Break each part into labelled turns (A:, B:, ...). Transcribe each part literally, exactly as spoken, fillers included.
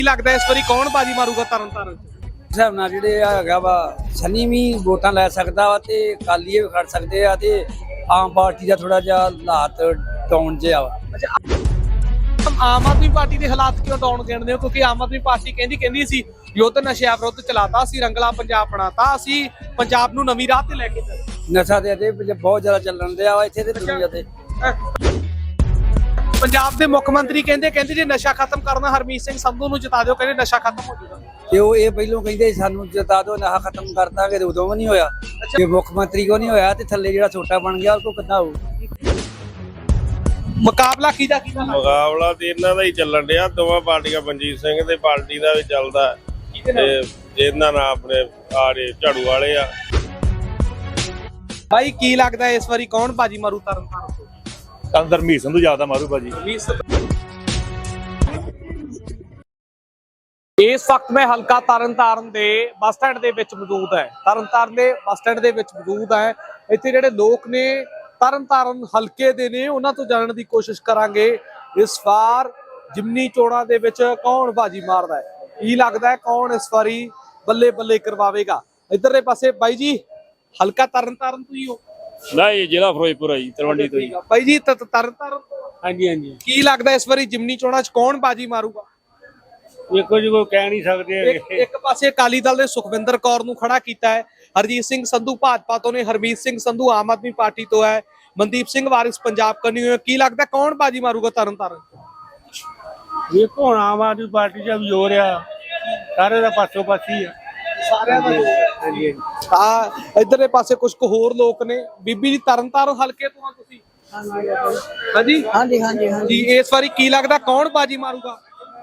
A: ਕੀ ਲੱਗਦਾ ਇਸ ਵਾਰੀ ਕੌਣ ਬਾਜੀ ਮਾਰੂਗਾ ਤਰਨ ਤਾਰਨ
B: ਹਿਸਾਬ ਨਾਲ ਜਿਹੜੇ ਹੈਗਾ ਵਾ ਸਨੀ ਵੀ ਵੋਟਾਂ ਲੈ ਸਕਦਾ ਵਾ ਤੇ ਅਕਾਲੀ ਵੀ ਖੜ ਸਕਦੇ ਆ ਤੇ ਆਮ ਪਾਰਟੀ ਦਾ ਥੋੜਾ ਜਿਹਾ ਹਾਲਾਤ ਡਾਊਨ ਜਿਹਾ ਵਾ।
A: ਆਮ ਆਦਮੀ ਪਾਰਟੀ ਦੇ ਹਾਲਾਤ ਕਿਉਂ ਡਾਊਨ ਗਿਣਦੇ ਹੋ? ਕਿਉਂਕਿ ਆਮ ਆਦਮੀ ਪਾਰਟੀ ਕਹਿੰਦੀ ਕਹਿੰਦੀ ਸੀ ਯੁੱਧ ਨਸ਼ਿਆਂ ਵਿਰੁੱਧ ਚਲਾਤਾ, ਅਸੀਂ ਰੰਗਲਾ ਪੰਜਾਬ ਬਣਾਤਾ, ਅਸੀਂ ਪੰਜਾਬ ਨੂੰ ਨਵੀਂ ਰਾਹ ਤੇ ਲੈ ਕੇ ਚੱਲੇ।
B: ਨਸ਼ਾ ਦੇ ਤੇ ਬਹੁਤ ਜ਼ਿਆਦਾ ਚੱਲਣ ਦਿਆ ਵਾ ਇੱਥੇ ਤੇ ਦੁਨੀਆ ਤੇ।
A: ਪੰਜਾਬ ਦੇ ਮੁੱਖ ਮੰਤਰੀ ਕਹਿੰਦੇ ਕਹਿੰਦੇ ਜੇ ਨਸ਼ਾ ਖਤਮ ਕਰਨਾ ਹਰਮੀਤ ਸਿੰਘ ਸੰਧੂ ਨੂੰ ਜਿਤਾ ਦਿਓ, ਕਹਿੰਦੇ ਨਸ਼ਾ ਖਤਮ ਹੋ ਜਾਊਗਾ।
B: ਤੇ ਉਹ ਇਹ ਪਹਿਲੋਂ ਕਹਿੰਦੇ ਸਾਨੂੰ ਜਿਤਾ ਦਿਓ, ਨਸ਼ਾ ਖਤਮ ਕਰ ਦਾਂਗੇ, ਤੇ ਉਦੋਂ ਵੀ ਨਹੀਂ ਹੋਇਆ। ਜੇ ਮੁੱਖ ਮੰਤਰੀ ਕੋ ਨਹੀਂ ਹੋਇਆ ਤੇ ਥੱਲੇ ਜਿਹੜਾ ਛੋਟਾ ਬਣ ਗਿਆ ਉਹ ਕੋ ਕਿੱਦਾਂ ਹੋਊ?
A: ਮੁਕਾਬਲਾ ਕਿਹਦਾ ਕਿਹਦਾ
C: ਮੁਕਾਬਲਾ ਤੇ ਇਹਨਾਂ ਦਾ ਹੀ ਚੱਲਣ ਡਿਆ, ਦੋਵਾਂ ਪਾਰਟੀਆਂ ਮਨਜੀਤ ਸਿੰਘ ਦੇ ਪਾਰਟੀ ਦਾ ਵੀ ਚੱਲਦਾ ਤੇ ਇਹਨਾਂ ਨਾਲ ਆਪਣੇ ਆੜੇ ਝਾੜੂ ਵਾਲੇ ਆ।
A: ਭਾਈ ਕੀ ਲੱਗਦਾ ਇਸ ਵਾਰੀ ਕੌਣ ਬਾਜੀ ਮਾਰੂ ਤਰਨ ਤਾਰਨ ਤੋਂ?
D: ਅੰਦਰ ਹਰਮੀਤ ਸੰਧੂ ਜ਼ਿਆਦਾ ਮਾਰੂ ਭਾਜੀ।
A: ਇਸ ਵਕਤ ਮੈਂ ਹਲਕਾ ਤਰਨ ਤਾਰਨ ਦੇ ਬੱਸ ਸਟੈਂਡ ਦੇ ਵਿੱਚ ਮੌਜੂਦ ਹੈ। ਤਰਨ ਤਾਰਨ ਦੇ ਬੱਸ ਸਟੈਂਡ ਦੇ ਵਿੱਚ ਮੌਜੂਦ ਹੈ। ਇੱਥੇ ਜਿਹੜੇ ਲੋਕ ਨੇ ਤਰਨ ਤਾਰਨ ਹਲਕੇ ਦੇ ਨੇ ਉਹਨਾਂ ਤੋਂ ਜਾਣਨ ਦੀ ਕੋਸ਼ਿਸ਼ ਕਰਾਂਗੇ ਇਸ ਵਾਰ ਜਿਮਨੀ ਚੋਣਾਂ ਦੇ ਵਿੱਚ ਕੌਣ ਬਾਜੀ ਮਾਰਦਾ ਹੈ, ਕੀ ਲੱਗਦਾ ਹੈ ਕੌਣ ਇਸ ਵਾਰੀ ਬੱਲੇ ਬੱਲੇ ਕਰਵਾਵੇਗਾ। ਇੱਧਰਲੇ ਪਾਸੇ ਬਾਈ ਜੀ ਹਲਕਾ ਤਰਨ ਤਾਰਨ ਤੋਂ ਹੀ ਹੋ?
D: ਨਹੀਂ, ਜ਼ਿਲ੍ਹਾ ਫਿਰੋਜ਼ਪੁਰ ਹੈ ਜੀ, ਤਲਵੰਡੀ ਤੋਂ ਜੀ।
A: ਬਾਈ ਜੀ ਤਰਨ ਤਾਰਨ
D: ਹਾਂਜੀ ਹਾਂਜੀ।
A: ਕੀ ਲੱਗਦਾ ਇਸ ਵਾਰੀ ਜਿਮਨੀ ਚੋਣਾਂ 'ਚ ਕੌਣ ਬਾਜੀ ਮਾਰੂਗਾ?
D: ਦੇਖੋ ਜੀ, ਕੋਈ ਕਹਿ ਨਹੀਂ ਸਕਦੇ।
A: ਇੱਕ ਇੱਕ ਪਾਸੇ ਅਕਾਲੀ ਦਲ ਨੇ ਸੁਖਵਿੰਦਰ ਕੌਰ ਨੂੰ ਖੜਾ ਕੀਤਾ ਹੈ, ਹਰਜੀਤ ਸਿੰਘ ਸੰਧੂ ਭਾਜਪਾ ਤੋਂ ਨੇ, ਹਰਮੀਤ ਸਿੰਘ ਸੰਧੂ ਆਮ ਆਦਮੀ ਪਾਰਟੀ ਤੋਂ ਹੈ, ਮਨਦੀਪ ਸਿੰਘ ਵਾਰਿਸ ਪੰਜਾਬ ਕਰਨੀ ਹੋਈ। ਕੀ ਲੱਗਦਾ ਕੌਣ ਬਾਜੀ ਮਾਰੂਗਾ ਤਰਨ ਤਾਰਨ?
D: ਦੇਖੋ ਹੁਣ ਆਮ ਆਦਮੀ ਪਾਰਟੀ ਦਾ ਵੀ ਜ਼ੋਰ ਆ, ਸਾਰੇ ਦਾ ਪਾਸੋਂ ਪਾਸੀ ਆ
A: ਸਾਰਿਆਂ ਦਾ।
D: ਹਾਂਜੀ।
A: ਆ ਇਧਰਲੇ ਪਾਸੇ ਕੁਝ ਕੁ ਹੋਰ ਲੋਕ ਨੇ। ਬੀਬੀ ਜੀ ਤਰਨ ਤਾਰਨ ਹਲਕੇ ਤੋਂ ਆ ਤੁਸੀਂ? ਹਾਂਜੀ
E: ਹਾਂਜੀ ਹਾਂਜੀ ਹਾਂਜੀ।
A: ਜੀ ਇਸ ਵਾਰੀ ਕੀ ਲੱਗਦਾ ਕੌਣ ਬਾਜੀ ਮਾਰੂਗਾ?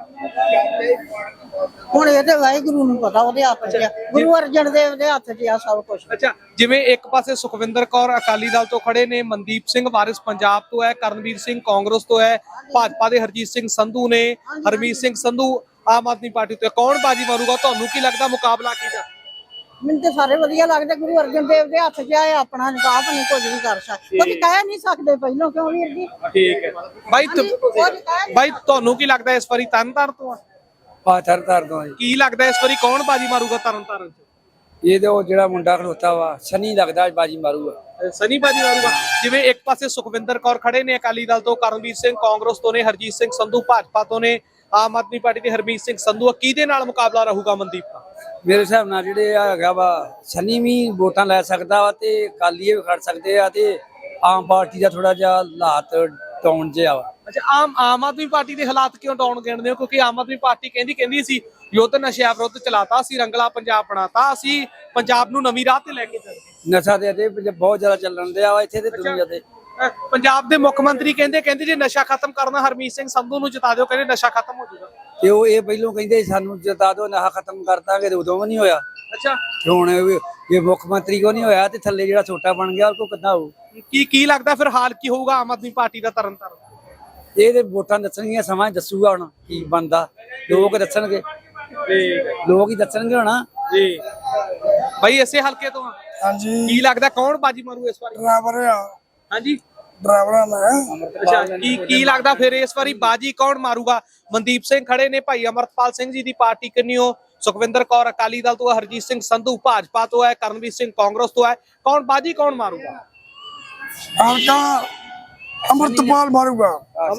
E: ਹੁਣ ਇਹ ਤੇ ਵਾਹਿਗੁਰੂ ਨੂੰ ਪਤਾ, ਉਹਦੇ ਹੱਥ 'ਚ ਆ, ਗੁਰੂ ਅਰਜਨ ਦੇਵ ਦੇ ਹੱਥ 'ਚ ਆ ਸਭ ਕੁਝ।
A: ਅੱਛਾ, ਜਿਵੇਂ ਇੱਕ ਪਾਸੇ ਸੁਖਵਿੰਦਰ ਕੌਰ ਅਕਾਲੀ ਦਲ ਤੋਂ ਖੜੇ ਨੇ, ਮਨਦੀਪ ਸਿੰਘ ਵਾਰਿਸ ਪੰਜਾਬ ਤੋਂ ਹੈ, ਕਰਨਵੀਰ ਸਿੰਘ ਕਾਂਗਰਸ ਤੋਂ ਹੈ, ਭਾਜਪਾ ਦੇ ਹਰਜੀਤ ਸਿੰਘ ਸੰਧੂ ਨੇ, ਹਰਮੀਤ ਸਿੰਘ ਸੰਧੂ ਆਮ ਆਦਮੀ ਪਾਰਟੀ ਤੋਂ। ਕੌਣ ਬਾਜੀ ਮਾਰੂਗਾ? ਤੁਹਾਨੂੰ ਕੀ ਲੱਗਦਾ ਮੁਕਾਬਲਾ ਕਿਹਦਾ?
E: ਮੈਨੂੰ ਤੇ ਸਾਰੇ ਵਧੀਆ ਲੱਗਦੇ, ਗੁਰੂ ਅਰਜਨ ਦੇਵ ਦੇ ਹੱਥ 'ਚ ਆ, ਆਪਣਾ ਨਿਕਾਬ ਨਹੀਂ ਕੁਝ ਵੀ ਕਰ ਸਕਦੇ, ਕੁਝ ਕਹਿ ਨਹੀਂ ਸਕਦੇ ਪਹਿਲਾਂ, ਕਿਉਂ ਵੀਰ ਜੀ?
A: ਠੀਕ ਹੈ ਬਾਈ। ਬਾਈ ਤੁਹਾਨੂੰ ਕੀ ਲੱਗਦਾ ਇਸ ਵਾਰੀ ਤਰਨ ਤਾਰਨ ਤੋਂ ਆ?
B: ਆ ਤਰਨ ਤਾਰਨ ਤੋਂ।
A: ਕੀ ਲੱਗਦਾ ਇਸ ਵਾਰੀ ਕੌਣ ਬਾਜੀ ਮਾਰੂਗਾ ਤਰਨ ਤਾਰਨ 'ਚ?
B: ਇਹ ਤੇ ਉਹ ਜਿਹੜਾ ਮੁੰਡਾ ਖਲੋਤਾ ਵਾ ਸਨੀ ਲੱਗਦਾ ਬਾਜੀ ਮਾਰੂਗਾ।
A: ਸਨੀ ਬਾਜੀ ਮਾਰੂਗਾ। ਜਿਵੇਂ ਇੱਕ ਪਾਸੇ ਸੁਖਵਿੰਦਰ ਕੌਰ ਖੜੇ ਨੇ ਅਕਾਲੀ ਦਲ ਤੋਂ, ਕਰਨਵੀਰ ਸਿੰਘ ਕਾਂਗਰਸ ਤੋਂ ਨੇ, ਹਰਜੀਤ ਸਿੰਘ ਸੰਧੂ ਭਾਜਪਾ ਤੋਂ ਨੇ, ਆਮ ਆਦਮੀ ਪਾਰਟੀ ਦੇ ਹਰਮੀਤ ਸਿੰਘ ਸੰਧੂ। ਕਿਹਦੇ ਨਾਲ ਮੁਕਾਬਲਾ ਰਹੂਗਾ ਮਨਦੀਪ ਦਾ?
B: ਮੇਰੇ ਹਿਸਾਬ ਨਾਲ ਜਿਹੜੇ ਹੈਗਾ ਵਾ ਸਨੀ ਵੀ ਵੋਟਾਂ ਲੈ ਸਕਦਾ ਵਾ ਤੇ ਅਕਾਲੀ ਵੀ ਖੜ ਸਕਦੇ ਆ ਤੇ ਆਮ ਪਾਰਟੀ ਦਾ ਥੋੜਾ ਜਿਹਾ ਹਾਲਾਤ ਡਾਊਨ ਜਿਹਾ ਵਾ।
A: ਅੱਛਾ, ਆਮ ਆਮ ਆਦਮੀ ਪਾਰਟੀ ਦੇ ਹਾਲਾਤ ਕਿਉਂ ਡਾਊਨ ਗਿਣਦੇ ਹੋ? ਕਿਉਂਕਿ ਆਮ ਆਦਮੀ ਪਾਰਟੀ ਕਹਿੰਦੀ ਕਹਿੰਦੀ ਸੀ ਯੁੱਧ ਨਸ਼ਿਆਂ ਵਿਰੁੱਧ ਚਲਾਤਾ, ਅਸੀਂ ਰੰਗਲਾ ਪੰਜਾਬ ਬਣਾਤਾ, ਅਸੀਂ ਪੰਜਾਬ ਨੂੰ ਨਵੀਂ ਰਾਹ ਤੇ ਲੈ ਕੇ ਚੱਲੇ।
B: ਨਸ਼ਾ ਦੇ ਤੇ ਬਹੁਤ ਜ਼ਿਆਦਾ ਚੱਲਣ ਦਿਆ ਵਾ ਇੱਥੇ ਤੇ ਦੁਨੀਆ ਤੇ।
A: ਪੰਜਾਬ ਦੇ ਮੁੱਖ ਮੰਤਰੀ ਕਹਿੰਦੇ ਕਹਿੰਦੇ ਜੇ ਨਸ਼ਾ ਖਤਮ ਕਰਨਾ ਹਰਮੀਤ ਸਿੰਘ ਸੰਧੂ ਨੂੰ ਜਿਤਾ ਦਿਓ, ਕਹਿੰਦੇ ਨਸ਼ਾ ਖਤਮ ਹੋ ਜਾਊਗਾ।
B: ਤੇ ਉਹ ਇਹ ਪਹਿਲੋਂ ਕਹਿੰਦੇ ਸਾਨੂੰ ਜਿਤਾ ਦਿਓ, ਨਸ਼ਾ ਖਤਮ ਕਰ ਦਾਂਗੇ, ਤੇ ਉਦੋਂ ਵੀ ਨਹੀਂ ਹੋਇਆ।
A: ਅੱਛਾ,
B: ਹੁਣ ਜੇ ਮੁੱਖ ਮੰਤਰੀ ਕੋ ਨਹੀਂ ਹੋਇਆ ਤੇ ਥੱਲੇ ਜਿਹੜਾ ਛੋਟਾ ਬਣ ਗਿਆ ਉਹ ਕੋ ਕਿੱਦਾਂ ਹੋਊ?
A: ਕੀ ਕੀ ਲੱਗਦਾ ਫਿਰ ਹਾਲ ਕੀ ਹੋਊਗਾ ਆਮ ਆਦਮੀ ਪਾਰਟੀ ਦਾ ਤਰਨ ਤਾਰਨ?
B: ਇਹ ਤੇ ਵੋਟਾਂ ਦੱਸਣਗੀਆਂ, ਸਮਾਂ ਦੱਸੂਗਾ ਹੁਣ ਕੀ ਬਣਦਾ, ਲੋਕ ਦੱਸਣਗੇ, ਲੋਕ ਹੀ ਦੱਸਣਗੇ ਹੁਣ।
A: ਜੀ ਬਾਈ ਇਸੇ ਹਲਕੇ ਤੋਂ?
F: ਹਾਂਜੀ।
A: ਕੀ ਲੱਗਦਾ ਕੌਣ ਬਾਜੀ ਮਾਰੂ ਇਸ ਵਾਰੀ?
F: ਡਰਾਈਵਰ ਆ।
A: ਹਾਂਜੀ,
F: ਡਰਾਈਵਰਾਂ ਦਾ।
A: ਅੱਛਾ, ਕੀ ਕੀ ਲੱਗਦਾ ਫਿਰ ਇਸ ਵਾਰੀ ਬਾਜੀ ਕੌਣ ਮਾਰੂਗਾ? ਮਨਦੀਪ ਸਿੰਘ ਖੜੇ ਨੇ, ਭਾਈ ਅਮਰਪਾਲ ਸਿੰਘ ਜੀ ਦੀ ਪਾਰਟੀ ਕਿੰਨੀਓ, ਸੁਖਵਿੰਦਰ ਕੌਰ ਅਕਾਲੀ ਦਲ ਤੋਂ, ਹਰਜੀਤ ਸਿੰਘ ਸੰਧੂ ਭਾਜਪਾ ਤੋਂ ਹੈ, ਕਰਨਵੀਰ ਸਿੰਘ ਕਾਂਗਰਸ ਤੋਂ ਹੈ। ਕੌਣ ਬਾਜੀ ਕੌਣ ਮਾਰੂਗਾ?
F: ਹਲਕਾ ਅਮਰਤਪਾਲ ਮਾਰੂਗਾ।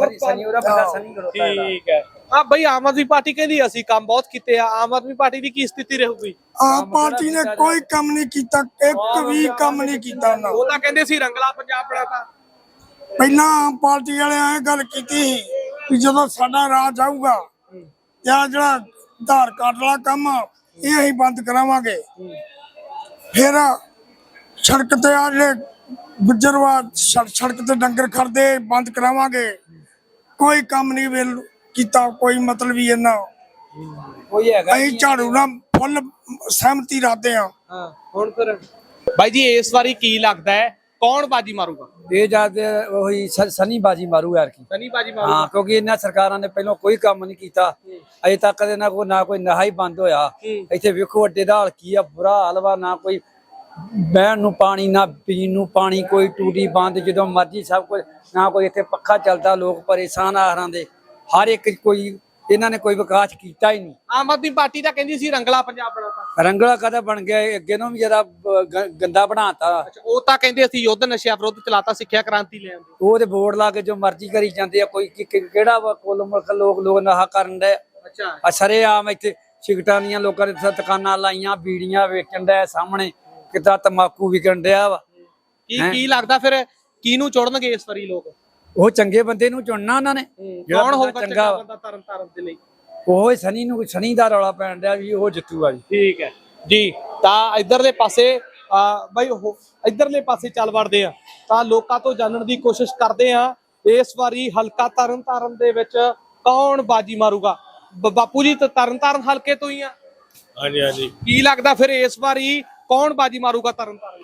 A: ਠੀਕ ਹੈ। ਆ ਬਈ ਆਮ ਆਦਮੀ ਪਾਰਟੀ ਕਹਿੰਦੀ ਅਸੀਂ ਕੰਮ ਬਹੁਤ ਕੀਤੇ ਆ, ਆਮ ਆਦਮੀ ਪਾਰਟੀ ਦੀ ਕੀ ਸਥਿਤੀ ਰਹੂਗੀ?
F: ਆਮ ਪਾਰਟੀ ਨੇ ਕੋਈ ਕੰਮ ਨਹੀਂ ਕੀਤਾ, ਇੱਕ ਵੀ ਕੰਮ ਨਹੀਂ ਕੀਤਾ ਉਹਨਾਂ।
A: ਉਹ ਤਾਂ ਕਹਿੰਦੇ ਸੀ ਰੰਗਲਾ ਪੰਜਾਬ ਬਣਾਤਾ।
F: ਪਹਿਲਾਂ ਆਮ ਪਾਰਟੀ ਵਾਲਿਆਂ ਇਹ ਗੱਲ ਕੀਤੀ ਕਿ ਜਦੋਂ ਸਾਡਾ ਰਾਜ ਆਊਗਾ ਤੇ ਆ ਜਿਹੜਾ ਆਧਾਰ ਕਾਰਡ ਵਾਲਾ ਕੰਮ ਇਹ ਅਸੀਂ ਬੰਦ ਕਰਾਵਾਂਗੇ, ਫਿਰ ਸੜਕ ਤੇ ਆ ਜਿਹੜੇ ਗੁੱਜਰਵਾ ਸੜਕ ਤੇ ਡੰਗਰ ਖੜਦੇ ਬੰਦ ਕਰਾਵਾਂਗੇ। ਕੋਈ ਕੰਮ ਨਹੀਂ ਵੇਲ ਕੀਤਾ, ਕੋਈ ਮਤਲਬ ਹੀ ਇਹਨਾਂ
B: ਕੋਈ ਹੈਗਾ
F: ਅਸੀਂ ਝਾੜੂ ਨਾਲ ਫੁੱਲ ਸਹਿਮਤੀ ਰੱਖਦੇ ਆ।
A: ਹਾਂ, ਹੁਣ ਫਿਰ ਬਾਈ ਜੀ ਇਸ ਵਾਰੀ ਕੀ ਲੱਗਦਾ ਹੈ ਕੌਣ ਬਾਜੀ ਮਾਰੂਗਾ?
B: ਇਹ ਜਦ ਉਹੀ ਸਨੀ ਬਾਜੀ ਮਾਰੂ ਯਾਰ ਕੀ
A: ਸਨੀ ਬਾਜੀ ਮਾਰੂਗਾ।
B: ਹਾਂ, ਕਿਉਂਕਿ ਇਹਨਾਂ ਸਰਕਾਰਾਂ ਨੇ ਪਹਿਲਾਂ ਕੋਈ ਕੰਮ ਨਹੀਂ ਕੀਤਾ ਅਜੇ ਤੱਕ, ਦੇ ਨਾ ਕੋਈ ਨਾ ਕੋਈ ਨਹਾ ਹੀ ਬੰਦ ਹੋਇਆ। ਇੱਥੇ ਵੇਖੋ ਅੱਡੇ ਦਾ ਹਾਲ ਕੀ ਆ, ਬੁਰਾ ਹਾਲ ਵਾ, ਨਾ ਕੋਈ ਬਹਿਣ ਨੂੰ ਪਾਣੀ, ਨਾ ਪੀਣ ਨੂੰ ਪਾਣੀ, ਕੋਈ ਟੂਟੀ ਬੰਦ ਜਦੋਂ ਮਰਜੀ ਸਭ ਕੁਝ, ਨਾ ਕੋਈ ਇੱਥੇ ਪੱਖਾ ਚੱਲਦਾ, ਲੋਕ ਪਰੇਸ਼ਾਨ ਆ ਹਰਾਂ ਦੇ, ਹਰ ਇੱਕ ਕੋਈ ਇਹਨਾਂ ਨੇ ਕੋਈ ਵਿਕਾਸ ਕੀਤਾ ਹੀ ਨਹੀਂ।
A: ਆਮ ਆਦਮੀ ਪਾਰਟੀ ਤਾਂ ਕਹਿੰਦੀ ਸੀ ਰੰਗਲਾ ਪੰਜਾਬ ਬਣਾਤਾ।
B: ਰੰਗਲਾ ਕਦਾ ਬਣ ਗਿਆ ਇਹ? ਅੱਗੇ ਨੂੰ ਵੀ ਜ਼ਿਆਦਾ ਬ- ਗ- ਗੰਦਾ ਬਣਾਤਾ।
A: ਅੱਛਾ, ਉਹ ਤਾਂ ਕਹਿੰਦੇ ਅਸੀਂ ਯੁੱਧ ਨਸ਼ਿਆਂ ਵਿਰੁੱਧ ਚਲਾਤਾ, ਸਿੱਖਿਆ ਕ੍ਰਾਂਤੀ ਲੈ ਆਂਦੇ।
B: ਉਹ ਤੇ ਬੋਰਡ ਲਾ ਕੇ ਜੋ ਮਰਜ਼ੀ ਕਰੀ ਜਾਂਦੇ ਆ। ਕੋਈ ਕਿ- ਕਿ- ਕਿਹੜਾ ਵਾ ਕੋਲ ਮੁਲਕ ਲੋਕ ਲੋਕ ਨਹਾ ਕਰਨ ਦੇ
A: ਅੱਛਾ,
B: ਆ ਸਾਰੇ ਆਮ ਇੱਥੇ ਸਿਗਟਾਂ ਦੀਆਂ ਲੋਕਾਂ ਨੇ ਇੱਥੇ ਦੁਕਾਨਾਂ ਲਾਈਆਂ, ਬੀੜੀਆਂ ਵੇਚਣ ਡਿਆ ਸਾਹਮਣੇ, ਕਿਤਾ ਤਮਾਕੂ ਵਿਕਣ ਡਿਆ ਵਾ।
A: ਕੀ ਕੀ ਲੱਗਦਾ ਫਿਰ ਕਿਹਨੂੰ ਚੁਣਨਗੇ ਇਸ ਵਾਰੀ ਲੋਕ?
B: ਉਹ ਚੰਗੇ ਬੰਦੇ ਨੂੰ ਚੁਣਨਾ ਉਹਨਾਂ ਨੇ। ਜਿਹੜਾ
A: ਕੌਣ
B: ਬੰਦਾ
A: ਹੋਊਗਾ
B: ਚੰਗਾ
A: ਚੰਗਾ
B: ਵਾ।
A: ਬੰਦਾ ਤਰਨ ਤਾਰਨ ਦੇ ਲਈ?
B: ਉਹ ਸਨੀ ਨੂੰ ਸਨੀ ਦਾ ਰੌਲਾ ਪੈਣ ਡਿਆ ਵੀ ਉਹ ਜਿੱਤੂਗਾ ਜੀ।
A: ਠੀਕ ਹੈ ਜੀ। ਤਾਂ ਇਧਰਲੇ ਪਾਸੇ ਆ ਬਈ ਉਹ ਇਧਰਲੇ ਪਾਸੇ ਚੱਲ ਵੜਦੇ ਆ ਤਾਂ ਲੋਕਾਂ ਤੋਂ ਜਾਣਨ ਦੀ ਕੋਸ਼ਿਸ਼ ਕਰਦੇ ਆ ਇਸ ਵਾਰੀ ਹਲਕਾ ਤਰਨ ਤਾਰਨ ਦੇ ਵਿੱਚ ਕੌਣ ਬਾਜੀ ਮਾਰੂਗਾ। ਬ- ਬਾਪੂ ਜੀ ਤਾਂ ਤਰਨ ਤਾਰਨ ਹਲਕੇ ਤੋਂ ਹੀ ਆ,
C: ਹਾਂਜੀ ਹਾਂਜੀ
A: ਕੀ ਲੱਗਦਾ ਫਿਰ ਇਸ ਵਾਰੀ ਕੌਣ ਬਾਜੀ ਮਾਰੂਗਾ ਤਰਨ ਤਾਰਨ?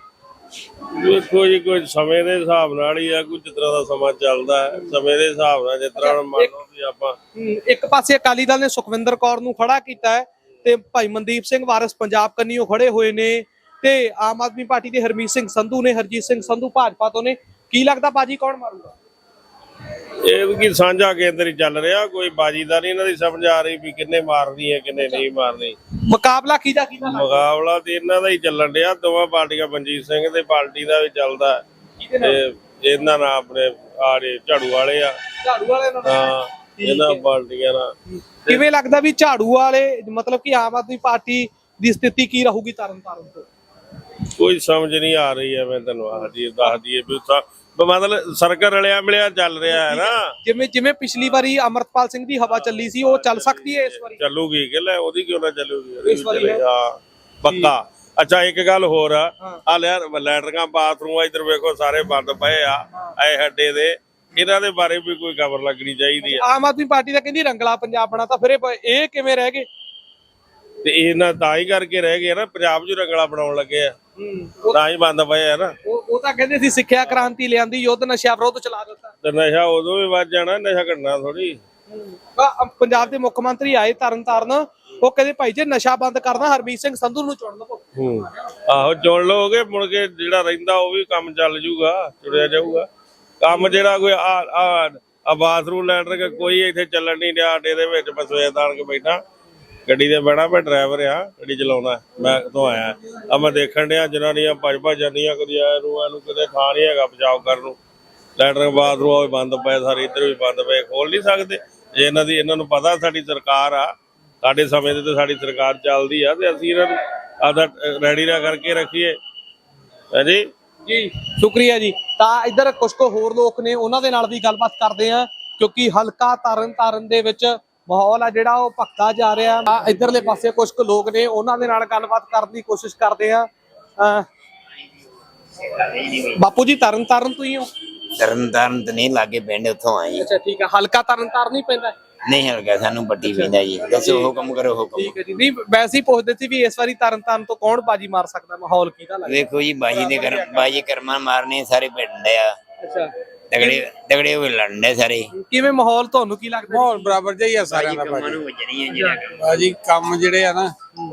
C: ਵੇਖੋ ਜੀ, ਕੋਈ ਸਮੇਂ ਦੇ ਹਿਸਾਬ ਨਾਲ ਹੀ ਆ, ਕੋਈ ਜਿਸ ਤਰ੍ਹਾਂ ਦਾ ਸਮਾਂ ਚੱਲਦਾ ਹੈ ਸਮੇਂ ਦੇ ਹਿਸਾਬ ਨਾਲ। ਜਿਸ ਤਰ੍ਹਾਂ ਹੁਣ ਮੰਨ ਲਓ ਵੀ ਆਪਾਂ
A: ਹਮ, ਇੱਕ ਪਾਸੇ ਅਕਾਲੀ ਦਲ ਨੇ ਸੁਖਵਿੰਦਰ ਕੌਰ ਨੂੰ ਖੜਾ ਕੀਤਾ ਹੈ ਤੇ ਭਾਈ ਮਨਦੀਪ ਸਿੰਘ ਵਾਰਿਸ ਪੰਜਾਬ ਕੰਨੀਓ ਖੜੇ ਹੋਏ ਨੇ ਤੇ ਆਮ ਆਦਮੀ ਪਾਰਟੀ ਦੇ ਹਰਮੀਤ ਸਿੰਘ ਸੰਧੂ ਨੇ, ਹਰਜੀਤ ਸਿੰਘ ਸੰਧੂ ਭਾਜਪਾ ਤੋਂ ਨੇ। ਕੀ ਲੱਗਦਾ ਬਾਜੀ ਕੌਣ ਮਾਰੂਗਾ?
C: ਇਹ ਵੀ ਕੀ ਸਾਂਝਾ ਕੇਂਦਰ ਹੀ ਚੱਲ ਰਿਹਾ, ਕੋਈ ਬਾਜੀਦਾਰੀ ਇਹਨਾਂ ਦੀ ਸਮਝ ਆ ਰਹੀ ਵੀ ਕਿੰਨੇ ਮਾਰਨੀ ਹੈ ਕਿੰਨੇ ਨਹੀਂ ਮਾਰਨੀ।
A: ਮੁਕਾਬਲਾ ਕਿਹਦਾ ਕਿਹਦਾ ਲੱਗਦਾ?
C: ਮੁਕਾਬਲਾ ਤੇ ਇਹਨਾਂ ਦਾ ਹੀ ਚੱਲਣ ਡਿਆ, ਦੋਵਾਂ ਪਾਰਟੀਆਂ, ਮਨਜੀਤ ਸਿੰਘ ਦੇ ਪਾਰਟੀ ਦਾ ਵੀ ਚੱਲਦਾ
A: ਕਿਹਦੇ ਨਾਲ?
C: ਤੇ ਇਹਨਾਂ ਨਾਲ ਆਪਣੇ ਆੜੇ ਝਾੜੂ ਵਾਲੇ ਆ।
A: ਝਾੜੂ ਵਾਲੇ ਨਾਲ?
C: ਹਾਂ, ਇਹਨਾਂ ਪਾਰਟੀਆਂ ਨਾਲ।
A: ਕਿਵੇਂ ਲੱਗਦਾ ਵੀ ਝਾੜੂ ਵਾਲੇ ਮਤਲਬ ਕਿ ਆਮ ਆਦਮੀ ਪਾਰਟੀ ਦੀ ਸਥਿਤੀ ਕੀ ਰਹੂਗੀ ਤਰਨ ਤਾਰਨ ਤੋਂ?
C: ਕੋਈ ਸਮਝ ਨਹੀਂ ਆ ਰਹੀ ਹੈ। ਮੈਂ ਤੁਹਾਨੂੰ ਆਹ ਜੀ ਦੱਸ ਦਈਏ ਵੀ ਉੱਥਾ ਮਤਲਬ ਸਰਕਲ ਰਲਿਆ ਮਿਲਿਆ ਚੱਲ ਰਿਹਾ ਹੈ ਨਾ।
A: ਜਿਵੇਂ ਜਿਵੇਂ ਪਿਛਲੀ ਵਾਰੀ ਅਮਰਤਪਾਲ ਸਿੰਘ ਦੀ ਹਵਾ ਚੱਲੀ ਸੀ, ਉਹ ਚੱਲ ਸਕਦੀ ਹੈ ਇਸ ਵਾਰੀ?
C: ਚੱਲੂਗੀ ਕਿ ਲੈ, ਉਹਦੀ ਕਿਉਂ ਨਾ ਚੱਲੂਗੀ, ਉਹਦੀ
A: ਇਸ
C: ਵੀ
A: ਵਾਰੀ
C: ਚੱਲੇਗੀ। ਹਾਂ ਪੱਕਾ। ਅੱਛਾ, ਇੱਕ ਗੱਲ ਹੋਰ ਆ,
A: ਹਾਂ।
C: ਆ ਲੈ ਲੈਟਰਿੰਗਾਂ ਬਾਥਰੂਮ ਆ ਇੱਧਰ ਵੇਖੋ ਸਾਰੇ ਬੰਦ ਪਏ ਆ ਐ ਹੱਡੇ ਦੇ, ਇਹਨਾਂ ਦੇ ਬਾਰੇ ਵੀ ਕੋਈ ਖਬਰ ਲੱਗਣੀ ਚਾਹੀਦੀ ਆ।
A: ਆਮ ਆਦਮੀ ਪਾਰਟੀ ਤਾਂ ਕਹਿੰਦੀ ਰੰਗਲਾ ਪੰਜਾਬ ਬਣਾ, ਤਾਂ ਫਿਰ ਇਹ ਇਹ ਕਿਵੇਂ ਰਹਿ ਗਏ?
C: ਤੇ ਇਹਨਾਂ ਤਾਂ ਹੀ ਕਰਕੇ ਰਹਿ ਗਏ ਨਾ, ਪੰਜਾਬ 'ਚ ਰੰਗਲਾ ਬਣਾਉਣ ਲੱਗੇ ਆ,
A: ਉਹ
C: ਤਾਂ ਹੀ ਬੰਦ ਪਏ ਆ ਨਾ।
A: ਉਹ ਉਹ ਤਾਂ ਕਹਿੰਦੇ ਸੀ ਸਿੱਖਿਆ ਕ੍ਰਾਂਤੀ ਲਿਆਂਦੀ, ਯੁੱਧ ਨਸ਼ਿਆਂ ਵਿਰੁੱਧ ਚਲਾ ਦਿੱਤਾ।
C: ਤੇ ਨਸ਼ਾ ਉਦੋਂ ਵੀ ਵੱਧ ਜਾਣਾ, ਨਸ਼ਾ ਘਟਣਾ ਥੋੜੀ।
A: ਆ, ਪੰਜਾਬ ਦੇ ਮੁੱਖ ਮੰਤਰੀ ਆਏ ਤਰਨ ਤਾਰਨ, ਉਹ ਕਹਿੰਦੇ ਭਾਈ ਜੇ ਨਸ਼ਾ ਬੰਦ ਕਰਨਾ ਹਰਮੀਤ ਸਿੰਘ ਸੰਧੂ ਨੂੰ ਚੁਣ ਲਵੋ।
C: ਹੂੰ, ਆਹੋ ਚੁਣ ਲਓਗੇ, ਮੁੜ ਕੇ ਜਿਹੜਾ ਰਹਿੰਦਾ ਉਹ ਵੀ ਕੰਮ ਚੱਲ ਜੂਗਾ, ਚੁੜਿਆ ਜਾਊਗਾ ਕੰਮ। ਜਿਹੜਾ ਕੋਈ ਆ ਆ ਆ ਬਾਥਰੂਮ ਲੈਟਰ ਕੋਈ ਇੱਥੇ ਚੱਲਣ ਨਹੀਂ ਡਿਆ ਅੱਡੇ ਦੇ ਵਿੱਚ, ਮੈਂ ਸਵੇਰ ਦਾ ਆਣ ਕੇ ਬੈਠਾ ਗੱਡੀ ਤੇ ਬਹਿਣਾ, ਮੈਂ ਡਰਾਈਵਰ ਆ, ਗੱਡੀ ਚਲਾਉਣਾ, ਮੈਂ ਤੋਂ ਆਇਆ ਆ, ਮੈਂ ਦੇਖਣ ਡਿਆ ਜਨਾਨੀਆਂ ਭੱਜ ਭੱਜ ਜਾਂਦੀਆਂ, ਕਦੀ ਆਇਆ ਨੂੰ ਇਹਨੂੰ ਕਿਤੇ ਥਾਂ ਨਹੀਂ ਹੈਗਾ ਬਚਾਓ ਕਰਨ ਨੂੰ। ਲੈਟਰ ਬਾਥਰੂਮ ਵੀ ਬੰਦ ਪਏ ਸਾਰੇ, ਇੱਧਰ ਵੀ ਬੰਦ ਪਏ, ਖੋਲ ਨਹੀਂ ਸਕਦੇ। ਜੇ ਇਹਨਾਂ ਦੀ ਇਹਨਾਂ ਨੂੰ ਪਤਾ ਸਾਡੀ ਸਰਕਾਰ ਆ, ਸਾਡੇ ਸਮੇਂ ਦੇ ਤੇ ਸਾਡੀ ਸਰਕਾਰ ਚੱਲਦੀ ਆ, ਤੇ ਅਸੀਂ ਇਹਨਾਂ ਨੂੰ ਆਦਾ ਰੈਡੀ ਨਾ ਕਰਕੇ ਰੱਖੀਏ। ਹਾਂਜੀ
A: ਜੀ ਸ਼ੁਕਰੀਆ ਜੀ। ਤਾਂ ਇੱਧਰ ਕੁਝ ਕੁ ਹੋਰ ਲੋਕ ਨੇ, ਉਹਨਾਂ ਦੇ ਨਾਲ ਵੀ ਗੱਲਬਾਤ ਕਰਦੇ ਆ, ਕਿਉਂਕਿ ਹਲਕਾ ਤਰਨ ਤਾਰਨ ਦੇ ਵਿੱਚ ਮਾਹੌਲ ਆ ਜਿਹੜਾ ਉਹ ਭਖਦਾ ਜਾ ਰਿਹਾ। ਆ ਇੱਧਰਲੇ ਪਾਸੇ ਕੁਝ ਕੁ ਲੋਕ ਨੇ, ਉਹਨਾਂ ਦੇ ਨਾਲ ਗੱਲਬਾਤ ਕਰਨ ਦੀ ਕੋਸ਼ਿਸ਼ ਕਰਦੇ ਆ। ਅਹ ਬਾਪੂ ਜੀ ਤਰਨ ਤਾਰਨ ਤੋਂ ਹੀ ਹੋ?
G: ਤਰਨ ਤਾਰਨ ਤਾਂ ਨਹੀਂ, ਲਾਗੇ ਪਿੰਡ ਉੱਥੋਂ ਆਏ।
A: ਅੱਛਾ ਠੀਕ ਹੈ। ਹਲਕਾ ਤਰਨ ਤਾਰਨ ਹੀ ਪੈਂਦਾ?
G: ਨਹੀਂ ਹਲਕਾ ਸਾਨੂੰ ਪੱਟੀ ਪੈਂਦਾ ਜੀ। ਦੱਸੋ ਹੁਕਮ ਕਰੋ ਹੁਕਮ।
A: ਠੀਕ ਹੈ ਜੀ। ਨਹੀਂ ਵੈਸੇ ਹੀ ਪੁੱਛਦੇ ਸੀ ਵੀ ਇਸ ਵਾਰੀ ਤਰਨ ਤਾਰਨ ਤੋਂ ਕੌਣ ਬਾਜੀ ਮਾਰ ਸਕਦਾ, ਮਾਹੌਲ ਕਿਹਦਾ ਲੱਗਦਾ?
G: ਵੇਖੋ ਜੀ, ਬਾਜੀ ਦੇ ਕਰ ਬਾਜੀ ਕਰਮਾਂ ਮਾਰਨੇ ਸਾਰੇ ਪਿੰਡ ਆ,
A: ਅੱਛਾ,
G: ਤਗੜੇ ਤਗੜੇ ਹੋਏ ਲੜਨੇ ਸਾਰੇ।
A: ਕਿਵੇਂ ਮਾਹੌਲ ਤੁਹਾਨੂੰ ਕੀ ਲੱਗਦਾ?
D: ਮਾਹੌਲ ਬਰਾਬਰ ਜਿਹਾ ਹੀ ਆ ਸਾਰਿਆਂ ਦਾ
G: ਕੰਮਾਂ
D: ਭਾਜੀ।
G: ਨੂੰ ਵੱਜਣੀ ਆ ਜਿਹੜਾ ਕੰਮ।
D: ਭਾਜੀ ਕੰਮ ਜਿਹੜੇ ਆ ਨਾ,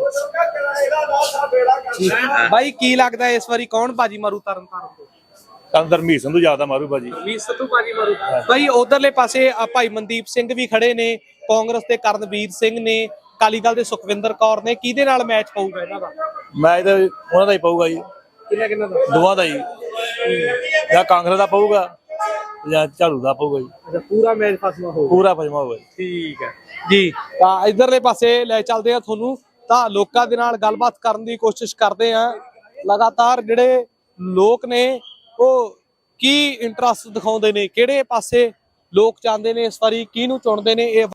A: ਬਾਈ ਕੀ ਲੱਗਦਾ ਇਸ ਵਾਰੀ ਕੌਣ ਬਾਜੀ ਮਾਰੂ ਤਰਨ ਤਾਰਨ ਤੋਂ?
H: ਹਰਮੀਤ ਸੰਧੂ ਜ਼ਿਆਦਾ ਮਾਰੂ ਬਾਜੀ।
A: ਹਰਮੀਤ ਸੰਧੂ ਬਾਜੀ ਮਾਰੂ। ਬਾਈ ਉਧਰਲੇ ਪਾਸੇ ਆ ਭਾਈ ਮਨਦੀਪ ਸਿੰਘ ਵੀ ਖੜੇ ਨੇ, ਕਾਂਗਰਸ ਦੇ ਕਰਨਵੀਰ ਸਿੰਘ ਨੇ, ਅਕਾਲੀ ਦਲ ਦੇ ਸੁਖਵਿੰਦਰ ਕੌਰ ਨੇ। ਕਿਹਦੇ ਨਾਲ ਮੈਚ ਪਊਗਾ ਇਹਨਾਂ ਦਾ?
H: ਮੈਚ ਤਾਂ ਉਹਨਾਂ ਦਾ ਹੀ ਪਊਗਾ ਜੀ,
A: ਕਿੰਨਾ ਕਿੰਨਾ ਦਾ?
H: ਦੋਵਾਂ ਦਾ ਹੀ। ਜਾਂ ਕਾਂਗਰਸ ਦਾ ਪਊਗਾ ਜਾਂ ਝਾੜੂ ਦਾ ਪਊਗਾ ਜੀ।
A: ਅੱਛਾ, ਪੂਰਾ ਮੈਚ ਫਸਵਾ ਹੋਊਗਾ।
H: ਪੂਰਾ ਪਜਮਾ ਹੋਊਗਾ ਜੀ।
A: ਠੀਕ ਹੈ ਜੀ। ਤਾਂ ਇਧਰਲੇ ਪਾਸੇ ਲੈ ਚੱਲਦੇ ਆ ਤੁਹਾਨੂੰ, ਤਾਂ ਲੋਕਾਂ ਦੇ ਨਾਲ ਗੱਲਬਾਤ ਕਰਨ ਦੀ ਕੋਸ਼ਿਸ਼ ਕਰਦੇ ਆ। ਲਗਾਤਾਰ ਜਿਹੜੇ ਲੋਕ ਨੇ ਉਹ ਕੀ ਇੰਟਰਸਟ ਦਿਖਾਉਂਦੇ ਨੇ, ਕਿਹੜੇ ਪਾਸੇ ਲੋਕ ਚਾਹੁੰਦੇ ਨੇ ਇਸ ਵਾਰੀ, ਕਿਹਨੂੰ ਚੁਣਦੇ ਨੇ, ਇਹ